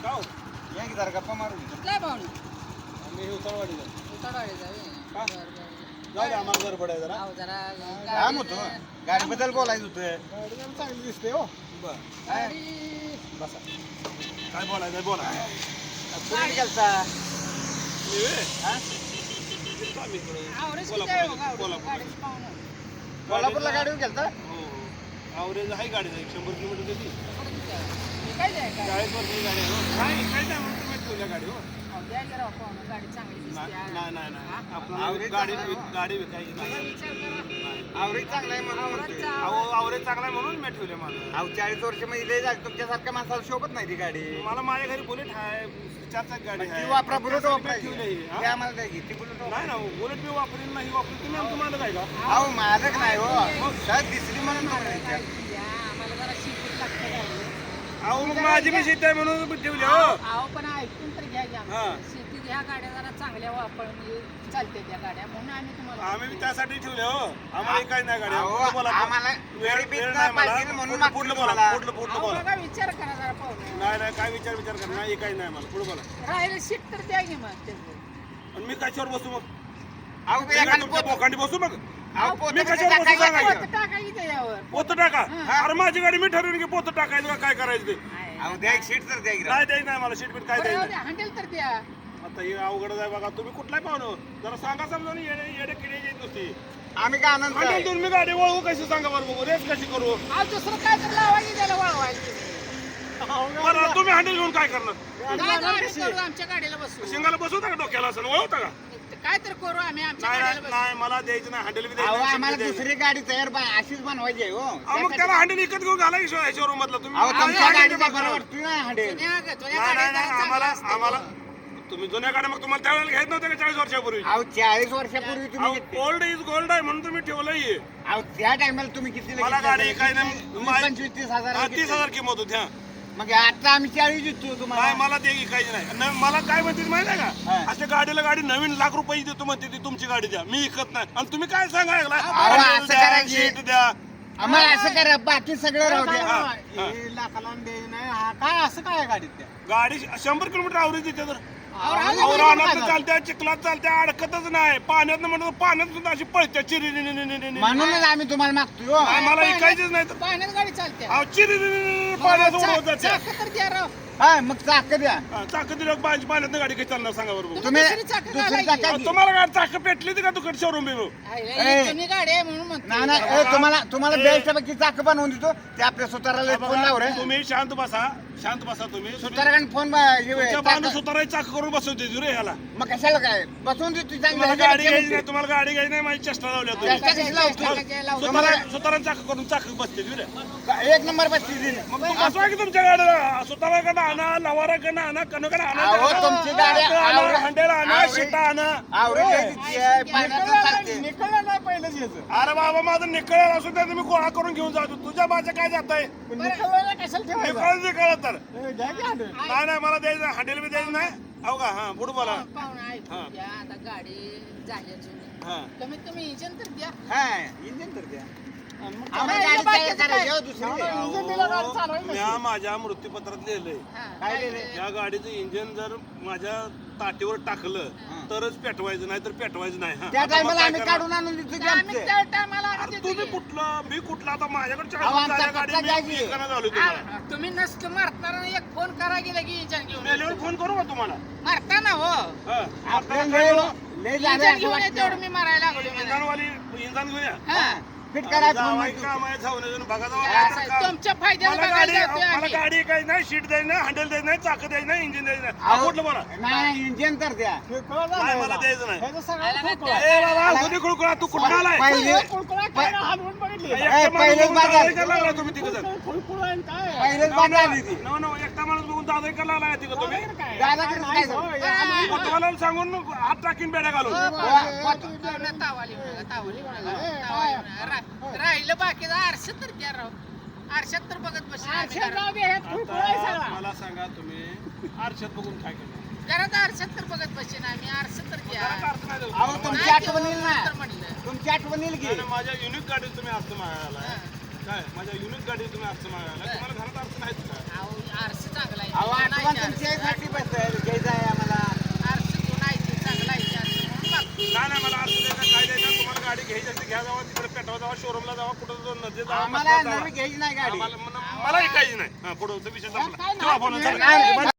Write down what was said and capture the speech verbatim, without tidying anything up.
का या की जरा गप्पा मारू कुठला पाहुणे आम्ही उतरवाडीला उतारवाडी जावे का? बरं बरं जाऊ दे आम्हाला घर पडाय जरा अहो जरा काम होतं गाडीबद्दल बोलायचं होतं गाडी जरा चांगली दिसते हो. बर गाडी बसा काय बोलायचं बोला गाडी- गेलता आवरेज किती आहे हो गावडं? कोल्हापूर गाडीचं पाहुणं. कोल्हापूरला गाडीवर गेलता हो आवरेज आहे गाडी एक शंभर किलोमीटर देते कुठं किती आहे? हे काय आहे गाडी? चाळीस वर्षाची गाडी आहे हो. काय काय नाही म्हणून तुम्ही ठेवल्या गाडी हो अहो, द्या जरा पाहुणं, गाडी चांगली दिसते नाही आहे. नाही नाही हा? आपल्याला आवरेज गाडी चांगला आहे. गाडी विकायची बघा, नाही विचार करा. आवरेज चांगला आहे म्हणून म्हणतोय. आवरेजचा अहो आवरेज चांगला आहे म्हणून मी ठेवले मला अहो चाळीस वर्ष मध्ये लय झाली तुमच्यासारख्या माणसाला शोभत नाही ती गाडी मला माझ्या घरी बुलेट आहे चार चाक गाडी ती आहे वापरा बुलेट त्यासाठी वापरायची ठेवली आहे, हा? ते आम्हाला द्या की ती बुलेट वापरा. नाही ना बुलेट मी वापरेन नाही वापरेन तुम्ही आमचं मालक आहे का अहो मालक नाही हो मग सहज दिसली म्हणून म्हणायचं. गाडी द्या, आम्हाला जरा शिकून लागतं गाडी. अहो मग माझी मी शेती आहे म्हणून ठेवली हो अहो अहो, पण ऐकून तर घ्या की आम्हाला. हा. शेतीत ह्या गाड्या जरा चांगल्या वापर म्हणजे चालते त्या गाड्या म्हणून आम्ही तुम्हाला आम्ही बी त्यासाठी ठेवले हो आम्हाला काही नाही गाडी अहो, पुढलं बोला. आम्हाला वेळ गरिबीत वेळ नाही नाही मला. पाहिजे म्हणून पुढलं मागतो पुढलं बोला तुम्हाला. पुढलं पुढलं अहो, बोला बघा, विचार करा जरा पाहुणे नाही नाही काय विचार विचार कर नाही काही नाही मला पुढे बोला राहिलं सीट तर द्या की मग त्याचं. आणि मी कशावर बसू मग अहो मी काय एखादं तुमच्या पोत- बोकांडी बसू मग अहो, पोतं मी कसं कशावर बसू टाकायचं? सांगायचं? पोतं टाका की त्याच्यावर. पोत टाका अरे माझी गाडी मी ठरवून की पोत टाकायचं का काय करायचं ते अहो द्या एक सीट तर द्या की राव. नाही द्यायचं नाही मला सीट बीट काय बरं, द्यायचं राहू द्या, हँडल तर द्या. आता हे अवघड आहे बघा तुम्ही कुठलाही पाहुणं जरा सांगा समजा येडे येडे किडे येत नुसती आम्ही काय आनंद आणि आहे. तुम्ही गाडी वळवू कशी सांगा बरं बघू रेस कशी करू अहो, दुसरं काय तर लावा की त्याला वळवायला. बरं तुम्ही हँडल घेऊन काय करणार काय तर आम्ही करू, आमच्या गाडीला बसू. शिंगाला बसवता का डोक्याला असं वळवता का काय तर करू आम्ही आमच्या नाही गाडीला नाही बसू. नाही मला द्यायचं नाही हँडल बी अहो द्यायचं नाही, आम्हाला seat बी द्यायचं दुसरी गाडी तयार बा- अशीच बनवायची आहे हो अहो, मग त्याला हँडल विकत घेऊन घाला की शोरूम मधला तुम्ही अहो आम्ही तुमच्या हँडल गाडीचा बघा. बरं वाटतोय ना हंडेल जुन्या जुन्या नाही नाही गाड्या नाही जरा आम्हाला चांगल्या असतात. आम्हाला तुम्ही जुन्या गाड्या मग तुम्हाला त्यावेळेला घेत नव्हत्या का चाळीस वर्षापूर्वी अहो चाळीस वर्षापूर्वी तुम्ही घेतली. गोल्ड इज गोल्ड आहे म्हणून तुम्ही ठेवलंय अहो त्या टायमाला तुम्ही किती मला गाडी काय नाही मा- पंचवीस तीस हजार हा, तीस हजार किंमत होती हा मग आता आम्ही चाळीस देतो नाही तुम्हाला मला ते काहीच नाही न- मला काय म्हणते माहिती आहे का हा. अशा गाडीला गाडी नवीन लाख रुपये देतो म्हणते ती तुमची गाडी द्या मी विकत नाही आणि तुम्ही काय सांगायला अहो, असं करायची. सीट द्या आम्हाला असं करा बाकी सगळं राहू द्या हा, हा. हे लाखाला द्यायचं नाही हा काय असं काय आहे गाडीत त्या गाडी शंभर किलोमीटर आवरेज देते तर अहो, राहू द्या, अहो, बरं, रानात बरं. चालत्या चिखलात चालत्या अडकतच नाही पाण्यात म्हणतो पाण्यात सुद्धा अशी पळत्या चिरी म्हणूनच आम्ही तुम्हाला मागतोय हो. मला विकायचीच नाही तर पाण्यात गाडी चालते. अहो चिरी पाण्यात चा- उडवत जाते चाकं तर द्या राव. हा मग चाक द्या चाक दिलं पाहिजे पाण्यात गाडी काही चालणार सांगा बरोबर तुम्ही तुम्ही दुसरी चाकं दुसरी घालायची. चाकं अहो, घे. तुम्हाला गाडी चाक पेटली होती का तुकडे शोरूम बिरू आईला ए. ही जुनी गाडी आहे म्हणून म्हणतो. नाही नाही ए, तुम्हाला तुम्हाला बेस्ट पैकी चाक बनवून देतो ते आपल्या सुताराला फोन लाव रे तुम्ही शांत बसा शांत बसा तुम्ही सुताराकडे फोन ब- हे तुमच्या चाक- बांधून सुतारा चाक करून बसवते रे ह्याला मग कशाला काय बसवून देतो तुम्हाला चांगलं गाडी घ्यायची नाही तुम्हाला गाडी घ्यायची नाही माझी चेष्टा लावल्या तुम्ही चेष्टा कशी लावतो? चाकाच्या लावतो. तुम्हाला- सुतारा सुतारा चाक करून चाक बसते रे एक नंबर बसती दिली मग तू बसवा की तुमच्या गाडीला सुताराकडे आणा लवाराकडे आणा कनकडे अहो, तुमची गाडी आणा आवरे- हंडेल आणा आवरे- शिटा आणा आवरेज द्यायची आहे, पाण्याचं चालते. निकळलं नाही पहिलंच याचं अरे बाबा माझं निकळ असू द्या तुम्ही गोळा करून घेऊन जातो तुझ्या माझं काय जात आहे पण निकळलं कशाला ठेवायचं निकळ निकळ तर ए, द्या की हांडे. नाही नाही मला द्यायचं हंडेल बी द्यायचं नाही हो का हा पुढे बोला पाहुणा ऐकून हा. घ्या, आता गाडी झाली जुनी. हा कमीत कमी इंजन तर द्या. हा इंजिन तर द्या आणि मग आम्ही काय गाडी बाकीचं तयार करायची काय? हो, दुसरी द्या. अहो, इंजिन दिलं गाडी चालवायला म्या माझ्या मृत्यूपत्रात लिहिलंय हा, काय काय लिहिलंय? ते? या गाडीचं इंजिन जर माझ्या ताटीवर टाकलं तरच पेटवायचं नाही तर पेटवायचं नाही हा. त्या आता मग टायमाला काय आम्ही करणार? काढून आणून देतो की आम्ही आमचे. त्या टायमाला अरे आम्ही तुम्ही देतो की. कुठलं मी कुठलं आता माझ्याकडे अहो, आमचा चाळीस गाडी पत्ता मी द्यायची. विकायला झालोय तुम्हाला आ, तुम्ही नसतं मारताना एक फोन करा गेला की इंजन घेऊन मेल्यावर फोन करू का तुम्हाला मारताना हो हा. आपल्याला आता लय काय म्हणू? लय झालं इंजन असं घेऊन ये, वाटतं. तेवढं मी मारायला लागलो म्हणे. इंधनवाली इंधन घेऊया हा. फिट करा फोन जावाई मध्ये. काम आहे जाऊन बघा जाऊ असं काय तर आहे, काम. तुमच्या फायद्याला मला बघायला गाडी जातोय मला आम्ही. गाडी काही नाही सीट द्यायची नाही हँडल द्यायचं नाही चाक द्यायचं नाही इंजिन द्यायचं नाही अहो, हा, कुठलं बोला नाही इंजिन तर द्या निकळलं नाही नाही मला याला. द्यायचं नाही ह्याचं सगळं आला खुळखुळं ना आहे. ए बाबा खुदी खुळखुळा तू कुठं आलाय पहिले खुळखुळा काय ना, हलवून बघितली. एकटा ए, माणूस पहिलेच बघून बाजार. दादा करायला लागला तुम्ही तिघं जण. खुळखुळा आहे आणि काय आहे? पहिलेच बांध आली ती नव नव एकटा माणूस बघून दादा करायला लागला तिघं तुम्ही दादाकडे काय? दादाकडे नाही, काय हो, झालं? या आम्ही- कोतवालाला सांगून हात टाकीन बेड्या घालून हो, वा, वा. पाहुणा तावाली म्हणाला, तावाली म्हणाला, ए, तावाली ए, म्हणाला. रा- राहिलं बाकीचं आरशात तर द्या राव आरशात तर बघत बस आरशात जाऊ दे, हे खुळखुळा आहे आता सगळा. मला सांगा तुम्ही आरशात बघून काय करणार घरात आरशात तर बघत बसेन आम्ही आरशात तर द्या घरात अर्थ नाही देऊ. अहो तुमची नाही आठवण ते येईल ना तर म्हणलं तुमची आठवण येईल नाही, की नाही, माझ्या युनिक गाडीत तुम्ही अर्थ मागायला हा. काय माझ्या युनिक गाडीत तुम्ही अर्थ मागायला तुम्हाला घरात अर्थ नाही का अहो, आरसा चांगला आहे अहो नाही आठवण ते तुमची आरसा. घ्या जावा तिकडे पेटवा जावा शोरूमला जावा कुठं नदी जावा आम्हाला मसनात जावा. नवी घ्यायची नाही गाडी आम्हाला मला ऐकायची नाही हा पुढं विषय संपला काय ठेवा फोन, नाही. चला. नाही, नाही,